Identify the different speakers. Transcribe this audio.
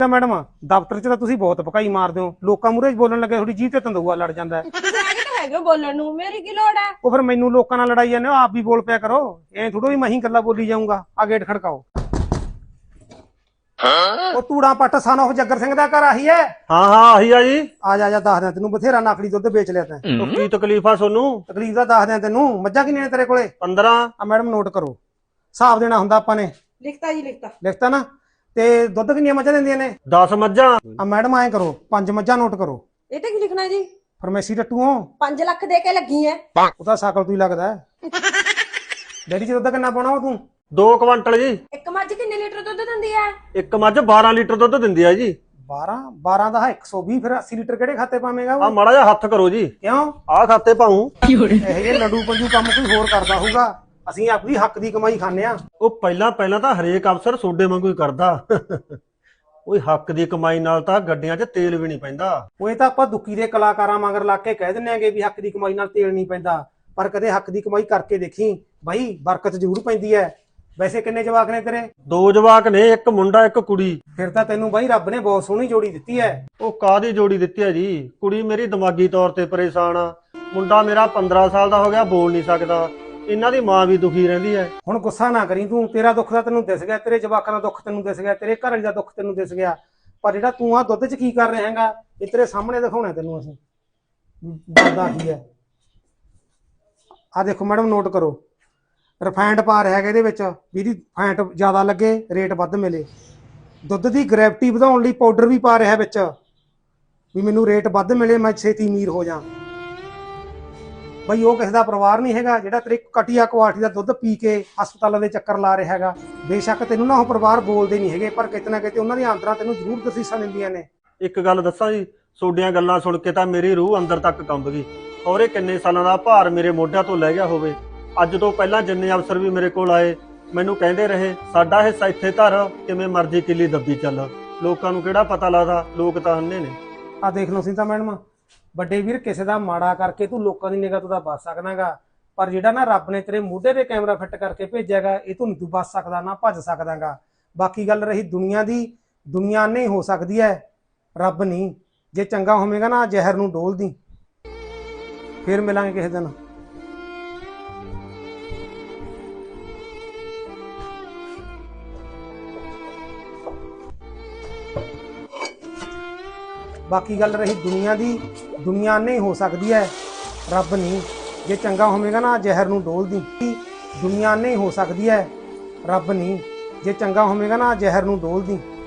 Speaker 1: Madam दफ्तर च तुसीं बहुत भकाई मारदे हो, लोकां मूहरे बोलण लगे थोड़ी जीभ ते तंदूआ लड़ जांदा है।
Speaker 2: बोलण नूं मेरी की लोड़ है?
Speaker 1: ਉਹ ਫਿਰ ਮੈਨੂੰ ਲੋਕਾਂ ਨਾਲ ਲੜਾਈ ਜਾਂਦੇ ਹੋ, ਆਪ ਵੀ ਬੋਲ ਪਿਆ ਕਰੋ। ਐ ਥੋੜੋ ਵੀ ਮੈਂ ਹੀ ਗੱਲਾਂ ਬੋਲੀ ਜਾਊਂਗਾ। ਆ ਗੇਟ ਖੜਕਾਓ। ਉਹ ਤੂੜਾ ਪੱਟ ਸਨ ਉਹ ਜੱਗਰ ਸਿੰਘ ਦਾ ਘਰ ਆਹੀ ਹੈ?
Speaker 3: ਹਾਂ ਹਾਂ ਆਹੀ ਆ ਜੀ।
Speaker 1: ਆ ਜਾ ਦੱਸ ਦਿਆਂ ਤੈਨੂੰ, ਬਥੇਰਾ ਨਕਲੀ ਦੁੱਧ ਵੇਚ ਲਿਆ ਤੈਂ।
Speaker 3: ਕੀ ਤਕਲੀਫ ਆ ਸੋਨੂੰ?
Speaker 1: ਤਕਲੀਫ ਦਾ ਦੱਸ ਦਿਆਂ ਤੈਨੂੰ। ਮੱਝਾਂ ਕਿੰਨੀਆਂ ਨੇ ਤੇਰੇ ਕੋਲੇ?
Speaker 3: 15।
Speaker 1: ਆ ਮੈਡਮ ਨੋਟ ਕਰੋ, ਹਿਸਾਬ ਦੇਣਾ ਹੁੰਦਾ ਆਪਾਂ ਨੇ।
Speaker 2: ਲਿਖਤਾ ਜੀ ਲਿਖਤਾ।
Speaker 1: ਲਿਖਤਾ ਨਾ? ਤੇ ਦੁੱਧ ਕਿੰਨੀਆਂ ਮੱਝਾਂ ਦਿੰਦੀਆਂ ਨੇ?
Speaker 3: 10 ਮੱਝਾਂ।
Speaker 1: ਆ ਮੈਡਮ ਐਂ ਕਰੋ, 5 ਮੱਝਾਂ ਨੋਟ ਕਰੋ।
Speaker 2: ਇਹ ਤੇ ਕੀ ਲਿਖਣਾ ਜੀ?
Speaker 1: ਫਰਮੇਸੀ ਟੱਟੂ ਹੋ?
Speaker 2: 5 ਲੱਖ ਦੇ ਕੇ ਲੱਗੀ ਐ।
Speaker 1: ਉਹ ਤਾਂ ਸਾਕਲ ਤੂੰ ਹੀ ਲੱਗਦਾ। ਡੈਡੀ ਚ ਦੁੱਧ ਕਿੰਨਾ ਪਾਉਣਾ ਉਹ ਤੂੰ?
Speaker 3: 2 ਕੁਆਂਟਲ ਜੀ।
Speaker 2: ਇੱਕ ਮੱਝ ਕਿੰਨੇ ਲੀਟਰ ਦੁੱਧ ਦਿੰਦੀ ਐ?
Speaker 3: ਇੱਕ ਮੱਝ 12 ਲੀਟਰ ਦੁੱਧ ਦਿੰਦੀ ਆ ਜੀ।
Speaker 1: 12 ਦਾ 120, ਫਿਰ 80 ਲੀਟਰ ਕਿਹੜੇ ਖਾਤੇ ਪਾਵੇਂਗਾ
Speaker 3: ਆ
Speaker 1: ਉਹ?
Speaker 3: ਮਾੜਾ ਜਿਹਾ ਹੱਥ ਕਰੋ ਜੀ।
Speaker 1: ਕਿਉਂ?
Speaker 3: ਆਹ ਖਾਤੇ ਪਾਉ।
Speaker 1: ਇਹ ਜੇ ਲੰਡੂ ਪੰਜੂ ਕੰਮ ਕੋਈ ਹੋਰ ਕਰਦਾ ਹੋਊਗਾ, ਅਸੀਂ ਆਪਣੀ ਹੱਕ ਦੀ ਕਮਾਈ ਖਾਂਦੇ ਆ।
Speaker 3: ਉਹ ਪਹਿਲਾਂ ਤਾਂ ਹਰੇਕ ਅਫਸਰ ਸੋਡੇ ਵਾਂਗੂ ਹੀ ਕਰਦਾ। ਓਏ ਹੱਕ ਦੀ ਕਮਾਈ ਨਾਲ ਤਾਂ ਗੱਡੀਆਂ 'ਚ ਤੇਲ ਵੀ ਨਹੀਂ ਪੈਂਦਾ।
Speaker 1: ਉਹ ਇਹ ਤਾਂ ਆਪਾਂ ਦੁੱਕੀ ਦੇ ਕਲਾਕਾਰਾਂ ਮਗਰ ਲਾ ਕੇ ਕਹਿ ਦਿੰਦੇ ਆਂਗੇ ਵੀ ਹੱਕ ਦੀ ਕਮਾਈ ਨਾਲ ਤੇਲ ਨਹੀਂ ਪੈਂਦਾ, ਪਰ ਕਦੇ ਹੱਕ ਦੀ ਕਮਾਈ ਕਰਕੇ ਦੇਖੀ ਬਾਈ, ਬਰਕਤ ਜ਼ਰੂਰ ਪੈਂਦੀ ਹੈ। ਵੈਸੇ ਕਿੰਨੇ ਜਵਾਕ ਨੇ ਤੇਰੇ?
Speaker 3: 2 ਜਵਾਕ ਨੇ, ਇੱਕ ਮੁੰਡਾ ਇੱਕ ਕੁੜੀ।
Speaker 1: ਫਿਰ ਤਾਂ ਤੈਨੂੰ ਬਾਈ ਰੱਬ ਨੇ ਬਹੁਤ ਸੋਹਣੀ ਜੋੜੀ ਦਿੱਤੀ ਹੈ।
Speaker 3: ਉਹ ਕਾਹਦੀ ਜੋੜੀ ਦਿੱਤੀ ਹੈ ਜੀ? ਕੁੜੀ ਮੇਰੀ ਦਿਮਾਗੀ ਤੌਰ ਤੇ ਪਰੇਸ਼ਾਨ ਆ, ਮੁੰਡਾ ਮੇਰਾ 15 ਸਾਲ ਦਾ ਹੋ ਗਿਆ, ਬੋਲ ਨਹੀਂ ਸਕਦਾ। ਇਹਨਾਂ ਦੀ ਮਾਂ ਵੀ ਦੁਖੀ ਰਹਿੰਦੀ ਹੈ।
Speaker 1: ਹੁਣ ਗੁੱਸਾ ਨਾ ਕਰੀ ਤੂੰ, ਤੇਰਾ ਦੁੱਖ ਤਾਂ ਤੈਨੂੰ ਦਿਸ ਗਿਆ, ਤੇਰੇ ਜਵਾਕਾਂ ਦਾ ਦੁੱਖ ਤੈਨੂੰ ਦਿਸ ਗਿਆ, ਤੇਰੇ ਘਰ ਵਾਲੀ ਦਾ ਦੁੱਖ ਤੈਨੂੰ ਦਿਸ ਗਿਆ, ਪਰ ਜਿਹੜਾ ਤੂੰ ਆ ਦੁੱਧ 'ਚ ਕੀ ਕਰ ਰਿਹਾ ਹੈਗਾ, ਇਹ ਤੇਰੇ ਸਾਹਮਣੇ ਦਿਖਾਉਣਾ ਤੈਨੂੰ ਅਸੀਂ। ਦੱਸਦਾ ਕੀ ਹੈ, ਆ ਦੇਖੋ ਮੈਡਮ ਨੋਟ ਕਰੋ। ਰਿਫਾਈਨਡ ਪਾ ਰਿਹਾ ਹੈਗਾ ਇਹਦੇ ਵਿੱਚ, ਵੀ ਇਹਦੀ ਫੈਟ ਜ਼ਿਆਦਾ ਲੱਗੇ, ਰੇਟ ਵੱਧ ਮਿਲੇ। ਦੁੱਧ ਦੀ ਗ੍ਰੈਵਿਟੀ ਵਧਾਉਣ ਲਈ ਪਾਊਡਰ ਵੀ ਪਾ ਰਿਹਾ ਵਿੱਚ, ਵੀ ਮੈਨੂੰ ਰੇਟ ਵੱਧ ਮਿਲੇ, ਮੈਂ ਛੇਤੀ ਅਮੀਰ ਹੋ ਜਾ। ਬਈ ਉਹ ਕਿਸੇ ਦਾ ਪਰਿਵਾਰ ਨਹੀਂ ਹੈਗਾ ਜਿਹੜਾ ਤੇਰੇ ਘਟੀਆ ਕੁਆਲਿਟੀ ਦਾ ਦੁੱਧ ਪੀ ਕੇ ਹਸਪਤਾਲਾਂ ਦੇ ਚੱਕਰ ਲਾ ਰਿਹਾ ਹੈਗਾ। ਬੇਸ਼ੱਕ ਤੈਨੂੰ ਨਾ ਉਹ ਪਰਿਵਾਰ ਬੋਲਦੇ ਨਹੀਂ ਹੈਗੇ, ਪਰ ਕਿਤੇ ਨਾ ਕਿਤੇ ਉਹਨਾਂ ਦੀਆਂ ਆਂਦਰਾਂ ਤੈਨੂੰ ਜ਼ਰੂਰ ਦਸੀਸਾਂ ਦਿੰਦੀਆਂ ਨੇ।
Speaker 3: ਇੱਕ ਗੱਲ ਦੱਸਾਂ ਜੀ, ਤੁਹਾਡੀਆਂ ਗੱਲਾਂ ਸੁਣ ਕੇ ਤਾਂ ਮੇਰੀ ਰੂਹ ਅੰਦਰ ਤੱਕ ਕੰਬ ਗਈ। ਔਰੇ ਕਿੰਨੇ ਸਾਲਾਂ ਦਾ ਭਾਰ ਮੇਰੇ ਮੋਢਿਆਂ ਤੋਂ ਲੈ ਗਿਆ ਹੋਵੇ। ਅੱਜ ਤੋਂ ਪਹਿਲਾਂ ਜਿੰਨੇ ਅਫਸਰ ਵੀ ਮੇਰੇ ਕੋਲ ਆਏ, ਮੈਨੂੰ ਕਹਿੰਦੇ ਰਹੇ ਸਾਡਾ ਹਿੱਸਾ ਇੱਥੇ ਧਰ, ਕਿਵੇਂ ਮਰਜ਼ੀ ਕਿੱਲੀ ਦੱਬੀ ਚੱਲ। ਲੋਕਾਂ ਨੂੰ ਕਿਹੜਾ ਪਤਾ ਲੱਗਦਾ, ਲੋਕ ਤਾਂ ਅੰਨੇ ਨੇ।
Speaker 1: ਆ ਦੇਖ ਲਓ ਸੀ ਤਾਂ ਮੈਡਮ, ਵੱਡੇ ਵੀਰ ਕਿਸੇ ਦਾ ਮਾੜਾ ਕਰਕੇ ਤੂੰ ਲੋਕਾਂ ਦੀ ਨਿਗਾਹ ਤੋਂ ਤਾਂ ਬਚ ਸਕਦਾਗਾ, ਪਰ ਜਿਹੜਾ ਨਾ ਰੱਬ ਨੇ ਤੇਰੇ ਮੋਢੇ ਤੇ ਕੈਮਰਾ ਫਿੱਟ ਕਰਕੇ ਭੇਜਿਆਗਾ, ਇਹ ਤੋਂ ਨਹੀਂ ਤੂੰ ਬਚ ਸਕਦਾ, ਨਾ ਭੱਜ ਸਕਦਾਗਾ। ਬਾਕੀ ਗੱਲ ਰਹੀ ਦੁਨੀਆ ਦੀ, ਦੁਨੀਆ ਨਹੀਂ ਹੋ ਸਕਦੀ ਹੈ, ਰੱਬ ਨਹੀਂ। ਜੇ ਚੰਗਾ ਹੋਵੇਗਾ ਨਾ ਜ਼ਹਿਰ ਨੂੰ ਡੋਲ ਦੀ। ਫਿਰ ਮਿਲਾਂਗੇ ਕਿਸੇ ਦਿਨ। ਬਾਕੀ ਗੱਲ ਰਹੀ ਦੁਨੀਆ ਦੀ, ਦੁਨੀਆ ਨਹੀਂ ਹੋ ਸਕਦੀ ਹੈ, ਰੱਬ ਨਹੀਂ। ਜੇ ਚੰਗਾ ਹੋਵੇਗਾ ਨਾ ਜ਼ਹਿਰ ਨੂੰ ਡੋਲ ਦੀ। ਦੁਨੀਆ ਨਹੀਂ ਹੋ ਸਕਦੀ ਹੈ, ਰੱਬ ਨਹੀਂ। ਜੇ ਚੰਗਾ ਹੋਵੇਗਾ ਨਾ ਜ਼ਹਿਰ ਨੂੰ ਡੋਲ ਦੀ।